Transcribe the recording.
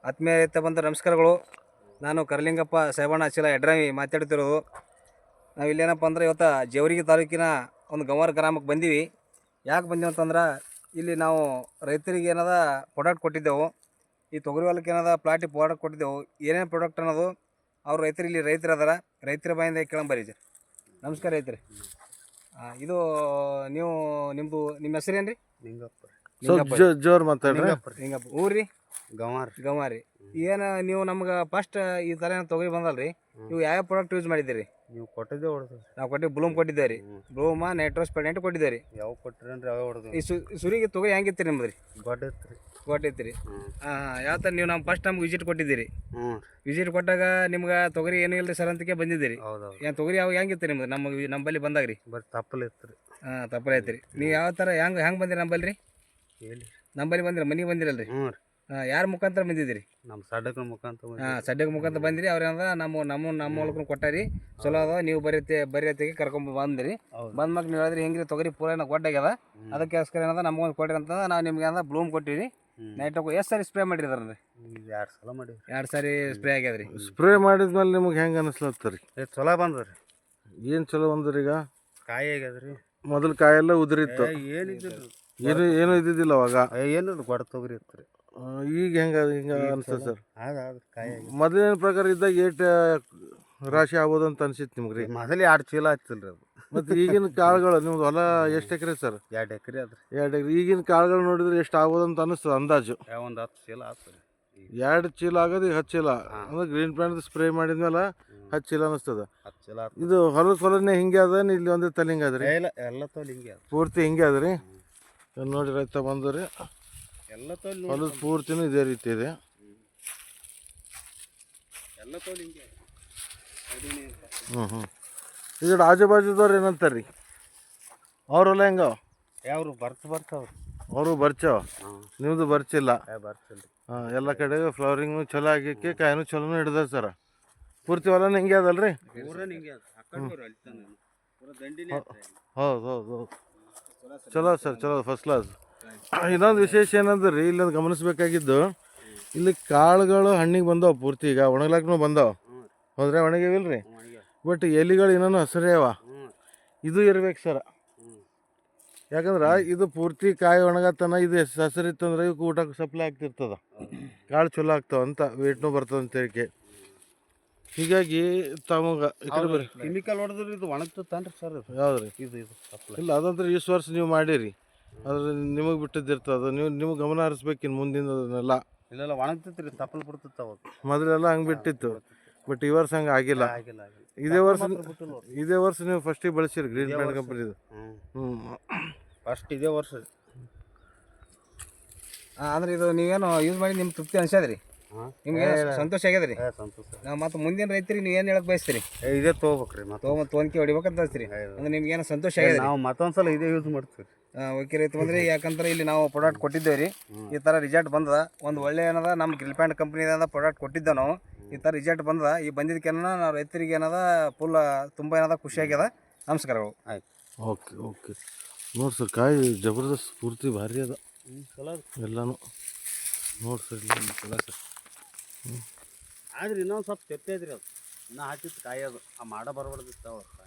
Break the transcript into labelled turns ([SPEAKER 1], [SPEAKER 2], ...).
[SPEAKER 1] ಆತ್ಮೀಯ ರೈತ ಬಂದ ನಮಸ್ಕಾರಗಳು. ನಾನು ಕರಲಿಂಗಪ್ಪ ಸಾಹೇಬಣ್ಣ ಅಚಿಲ ಎಡ್ರಾಮಿ ಮಾತಾಡ್ತಿರೋದು. ನಾವು ಇಲ್ಲೇನಪ್ಪ ಅಂದ್ರೆ ಇವತ್ತು ಜೇವರ್ಗಿ ತಾಲೂಕಿನ ಒಂದು ಗಂವಾರ ಗ್ರಾಮಕ್ಕೆ ಬಂದೀವಿ. ಯಾಕೆ ಬಂದೀವಿ ಅಂತಂದ್ರೆ ಇಲ್ಲಿ ನಾವು ರೈತರಿಗೆ ಏನದ ಪ್ರಾಡಕ್ಟ್ ಕೊಟ್ಟಿದ್ದೆವು. ಈ ತೊಗರಿ ಹೊಲಕ್ಕೆ ಏನದ ಪ್ಲಾಟಿಗೆ ಪ್ರಾಡಕ್ಟ್ ಕೊಟ್ಟಿದ್ದೆವು. ಏನೇನು ಪ್ರಾಡಕ್ಟ್ ಅನ್ನೋದು ಅವ್ರು ರೈತರು ಇಲ್ಲಿ ರೈತರು ಅದಾರ, ರೈತರ ಬಾಯಿಂದ ಕೇಳಂಬರಿ. ನಮಸ್ಕಾರ ರೈತರಿ. ಇದು ನೀವು ನಿಮ್ಮ ಹೆಸರೇನು ರೀ?
[SPEAKER 2] ಜೋರ್ ಮಾತಾಡ್ರಿ.
[SPEAKER 1] ಲಿಂಗಪ್ಪ. ಊರ್ರಿ? ಗಂವಾರಿ. ಏನು ನೀವು ನಮ್ಗೆ ಫಸ್ಟ್ ಈ ಥರ ತೊಗರಿ ಬಂದಲ್ರಿ, ನೀವು ಯಾವ ಪ್ರಾಡಕ್ಟ್ ಯೂಸ್ ಮಾಡಿದ್ದೀರಿ?
[SPEAKER 2] ನೀವು ಕೊಟ್ಟಿದ್ದೆ ಹೊಡೆದು
[SPEAKER 1] ನಾವು ಬ್ಲೂಮ್ ಕೊಟ್ಟಿದ್ದೇವೆ ರೀ. ಬ್ಲೂಮ ನೈಟ್ರೋಸ್ಪೆಡೆಂಟ್ ಕೊಟ್ಟಿದ್ದೇವೆ ರೀ.
[SPEAKER 2] ಯಾವ ಕೊಟ್ಟಿರಿ ಅಂದ್ರೆ ಯಾವ ಹೊಡೆದು
[SPEAKER 1] ಈ ಸುರಿಗೆ ತೊಗರಿ ಹೆಂಗಿತ್ತು ನಿಮ್ದು ರೀ?
[SPEAKER 2] ಗೊಟ್ಟೈತ್ರಿ
[SPEAKER 1] ರೀ. ಯಾವ ಥರ ನೀವು ಫಸ್ಟ್ ನಮ್ಗೆ ವಿಸಿಟ್ ಕೊಟ್ಟಿದ್ದೀರಿ. ವಿಸಿಟ್ ಕೊಟ್ಟಾಗ ನಿಮ್ಗೆ ತೊಗರಿ ಏನೂ ಇಲ್ಲ ಸರ್ ಅಂತಕ್ಕೆ ಬಂದಿದ್ದೀರಿ. ಏನು ತೊಗರಿ ಯಾವ ಹೆಂಗಿತ್ತು ನಿಮ್ದು ನಮ್ಮಲ್ಲಿ ಬಂದಾಗ ರೀ?
[SPEAKER 2] ತಪ್ಪಲ್ ಇತ್ತು ರೀ.
[SPEAKER 1] ತಪ್ಪಲ ಐತ್ರಿ. ನೀವು ಯಾವ ಥರ ಹೆಂಗೆ ಬಂದಿರಿ ನಂಬಲ್ಲಿ ರೀ? ನಂಬಲ್ಲಿ ಬಂದಿರ ಮನೆಗೆ ಬಂದಿರಲ್ರಿ? ಯಾರ ಮುಖಾಂತರ ಬಂದಿದ್ದೀರಿ?
[SPEAKER 2] ನಮ್ಮ ಸಡ್ಡಕ ಮುಖಾಂತರ.
[SPEAKER 1] ಸಡ್ಡಕ ಮುಖಾಂತರ ಬಂದಿರಿ. ಅವ್ರೇನದ ನಮ್ಮ ಹೊಲಕ್ಕೂ ಕೊಟ್ಟಾರಿ. ಚಲೋ ಅದ, ನೀವು ಬರೀತಿಗೆ ಕರ್ಕೊಂಡ್ ಬಂದಿರಿ. ಬಂದ್ಮಾಗ ನೀವು ಹೇಳಿದ್ರಿ ಹೆಂಗ್ರಿ ತೊಗರಿ ಪೂರ ಗೊಡ್ಡಾಗ್ಯದ, ಅದಕ್ಕೋಸ್ಕರ ಏನದ ನಮ್ಗೊಂದು ಕೊಟ್ಟಿರಿ ಅಂತ ನಾವು ನಿಮ್ಗೆ ಏನದ ಬ್ಲೂಮ್ ಕೊಟ್ಟಿರಿ. ನೈಟ್ ಎಷ್ಟು ಸಾರಿ ಸ್ಪ್ರೇ ಮಾಡಿರಿ ಅದ್ರಿ?
[SPEAKER 2] 2 ಸಲ ಮಾಡಿರಿ.
[SPEAKER 1] 2 ಸಾರಿ ಸ್ಪ್ರೇ ಆಗ್ಯದ್ರಿ.
[SPEAKER 2] ಸ್ಪ್ರೇ ಮಾಡಿದ್ಮೇಲೆ ನಿಮ್ಗೆ ಹೆಂಗೆ ಅನಿಸ್ಲತ್ತರಿ? ಚಲೋ ಬಂದ್ರಿ. ಏನು ಚಲೋ ಬಂದ್ರಿ? ಈಗ ಕಾಯಿ ಆಗ್ಯದ್ರಿ. ಮೊದಲು ಕಾಯೆಲ್ಲ ಉದುರಿತ್ತು, ಏನು ಇದ್ದಿದ್ದಿಲ್ಲ ಅವಾಗ. ಏನು ಗೊಡ್ಡ ತೊಗರಿ ಇತ್ತು ರೀ. ಈಗ ಹಿಂಗೆ ಅನಿಸ್ತದೆ ಸರ್? ಕಾಯಿ ಮೊದಲಿನ ಪ್ರಕಾರ ಇದ್ದಾಗ ಏಟ್ ರಾಶಿ ಆಗ್ಬೋದು ಅಂತ ಅನ್ಸಿತ್ತು ನಿಮ್ಗೆ ರೀ? ಮೊದಲು 2 ಚೀಲ ಹಚ್ಚಿಲ್ಲ ರೀ ಅದು. ಮತ್ತು ಈಗಿನ ಕಾಳುಗಳು ನಿಮ್ದು ಹೊಲ ಎಷ್ಟು ಎಕರೆ ಸರ್? 2 ಎಕರೆ ಅದ್ರಿ. 2 ಎಕರೆ. ಈಗಿನ ಕಾಳುಗಳು ನೋಡಿದ್ರೆ ಎಷ್ಟು ಆಗ್ಬೋದು ಅಂತ ಅನಿಸ್ತದೆ ಅಂದಾಜು? ಒಂದು 10 ಚೀಲ ಆಗ್ತದೆ. 2 ಚೀಲ ಆಗೋದು ಈಗ 10 ಚೀಲ ಅಂದ್ರೆ ಗ್ರೀನ್ ಪ್ಲಾಂಟ್ ಸ್ಪ್ರೇ ಮಾಡಿದ್ಮೇಲೆ 10 ಚೀಲ ಅನಿಸ್ತದೆ. 10 ಚೀಲ. ಇದು ಹೊಲನೇ ಹಿಂಗೆ ಅದ, ಇಲ್ಲಿ ಒಂದೇ ತಲೆ ಹಿಂಗೆ ಅದ್ರಿ? ಇಲ್ಲ, ಎಲ್ಲ ತೋಲ್ ಹಿಂಗೆ ಅದ, ಪೂರ್ತಿ ಹಿಂಗೆ ಅದ್ರಿ. ನೋಡಿ ರೈತ ಬಂದ್ರಿ, ಎಲ್ಲ ತೋಲ್ ಹೊಲದ ಪೂರ್ತಿನೂ ಇದೇ ರೀತಿ ಇದೆ. ಎಲ್ಲ ತೋಲ್ ಹಿಂಗೆ. ಈಗ ಆಜು ಬಾಜುದವ್ರು ಏನಂತಾರೆ ರೀ? ಅವ್ರೆಲ್ಲ ಹೆಂಗ? ಯಾವ್ರು ಬರ್ತಾವ್ರು? ಅವರು ಬರ್ಚಾವ. ನಿಮ್ಮದು ಬರ್ಚಿಲ್ಲ? ಬರ್ಚಿಲ್ಲ. ಎಲ್ಲ ಕಡೆ ಫ್ಲವರಿಂಗ್ನು ಚಲೋ ಆಗಕ್ಕೆ, ಕಾಯಿನೂ ಚಲೋನು ಹಿಡ್ದ ಸರ. ಪೂರ್ತಿ ಹೊಲನ ಹಿಂಗೆ ಅದಲ್ರಿ? ಹೌದು. ಚಲೋ ಸರ್, ಚಲೋ, ಫಸ್ಟ್ ಕ್ಲಾಸ್. ಇನ್ನೊಂದು ವಿಶೇಷ ಏನಂದ್ರೆ ರೀ, ಇಲ್ಲೊಂದು ಗಮನಿಸ್ಬೇಕಾಗಿದ್ದು, ಇಲ್ಲಿ ಕಾಳುಗಳು ಹಣ್ಣಿಗೆ ಬಂದವು ಪೂರ್ತಿ. ಈಗ ಒಣಗ್ಲಾಕ್ನು ಬಂದವು, ಹೋದ್ರೆ ಒಣಗಿವಿಲ್ರಿ. ಬಟ್ ಎಲಿಗಳು ಇನ್ನೂ ಹಸಿರೇ ಅವ. ಇದು ಇರ್ಬೇಕು ಸರ, ಯಾಕಂದ್ರೆ ಇದು ಪೂರ್ತಿ ಕಾಯಿ ಒಣಗತ್ತನ. ಇದು ಹಸಿರಿತ್ತಂದ್ರೆ ಇವಕ್ಕೆ ಊಟಕ್ಕೆ ಸಪ್ಲೈ ಆಗ್ತಿರ್ತದ, ಕಾಳು ಚಲೋ ಆಗ್ತಾವ ಅಂತ, ವೇಟ್ನೂ ಬರ್ತದೆ ಅಂತ ಹೇಳಿಕೆ. ಹೀಗಾಗಿ ತಮಗೆ ಕೆಮಿಕಲ್ ಹೊಡೆದ್ರೆ ಇದು ಒಣಗ್ತನ್ರಿ ಸರ್? ಯಾವ್ದು ರೀ ಇದು? ಇಲ್ಲ, ಅದಂದ್ರೆ ಈ ವರ್ಷ ನೀವು ಮಾಡಿರಿ, ಅದ್ರ ನಿಮಗೆ ಬಿಟ್ಟಿದ್ದಿರ್ತದೆ. ನೀವು ಗಮನ ಹರಿಸ್ಬೇಕು ಇನ್ನು ಮುಂದಿನದನ್ನೆಲ್ಲ. ಇಲ್ಲೆಲ್ಲ ಒಣಗ್ತೈತಿ ರೀ, ತಪ್ಪಲು ಬಿಡ್ತಿತ್ತು ಅವಾಗ. ಮೊದಲೆಲ್ಲ ಹಂಗೆ ಬಿಟ್ಟಿತ್ತು, ಬಟ್ ಈ ವರ್ಷ ಹಂಗೆ ಆಗಿಲ್ಲ. ಇದೇ ವರ್ಷ ನೀವು ಫಸ್ಟಿಗೆ ಬಳಸಿರಿ ಗ್ರೀನ್ ಪ್ಲಾಂಟ್ ಕಂಪ್ನಿದು? ಫಸ್ಟ್ ಇದೇ ವರ್ಷ.
[SPEAKER 1] ಅಂದ್ರೆ ಇದು ನೀವೇನು ಯೂಸ್ ಮಾಡಿ ನಿಮ್ಗೆ ತೃಪ್ತಿ ಅನ್ಸದ್ರಿ? ನಿಮ್ಗೆ ಸಂತೋಷ ಆಗ್ಯದ್ರಿ? ನಾವು ಮತ್ತೆ ಮುಂದಿನ ರೈತರಿಗೆ ನೀವು ಏನು ಹೇಳಕ್ ಬಯಸ್ತೀರಿ?
[SPEAKER 2] ಇದೇ ತೊಗೋಬೇಕ್ರಿ,
[SPEAKER 1] ತೊಗೊಂಡ್ಕೆ ಹೊಡಿಬೇಕಂತ ಅನ್ಸ್ತೀರಿ? ಅಂದ್ರೆ ನಿಮ್ಗೆ ಏನೋ ಸಂತೋಷ ಆಗ್ಯದ?
[SPEAKER 2] ನಾವು ಮತ್ತೊಂದ್ಸಲ ಇದೇ ಯೂಸ್ ಮಾಡ್ತೀವಿ.
[SPEAKER 1] ಓಕೆ ರೈತ ಬಂದ್ರಿ. ಯಾಕಂದ್ರೆ ಇಲ್ಲಿ ನಾವು ಪ್ರಾಡಕ್ಟ್ ಕೊಟ್ಟಿದ್ದೇವೆ ರೀ, ಈ ಥರ ರಿಸಲ್ಟ್ ಬಂದದ. ಒಂದು ಒಳ್ಳೆ ಏನದ ನಮ್ಮ ಗ್ರೀನ್ ಪ್ಲಾಂಟ್ ಕಂಪ್ನಿದ ಪ್ರಾಡಕ್ಟ್ ಕೊಟ್ಟಿದ್ದೆ ನಾವು. ಈ ಥರ ರಿಸಲ್ಟ್ ಬಂದದ. ಈ ಬಂದಿದ್ದಕ್ಕೆ ನಾವು ರೈತರಿಗೆ ಏನದ ಫುಲ್ ತುಂಬ ಏನದ ಖುಷಿ ಆಗ್ಯದ. ನಮಸ್ಕಾರಗಳು.
[SPEAKER 2] ಆಯ್ತು, ಓಕೆ. ನೋಡಿ ಸರ್, ಕಾಯಿ ಜಬರ್ದಸ್ತ್, ಪೂರ್ತಿ ಭಾರಿ ಅದ ಎಲ್ಲನೂ. ನೋಡಿ ಸರ್, ಇಲ್ಲಿ ಚಲೋ ಸರ್. ಆದ್ರೆ ಇನ್ನೊಂದು ಸ್ವಲ್ಪ ತೆಪ್ಪ ಐತ್ರಿ, ಅದು ಇನ್ನೂ ಹಾಕಿತ್ತು ಕಾಯಿ. ಅದು ಆ ಮಾಡ ಬರಬಾರ್ದಿತ್ತು.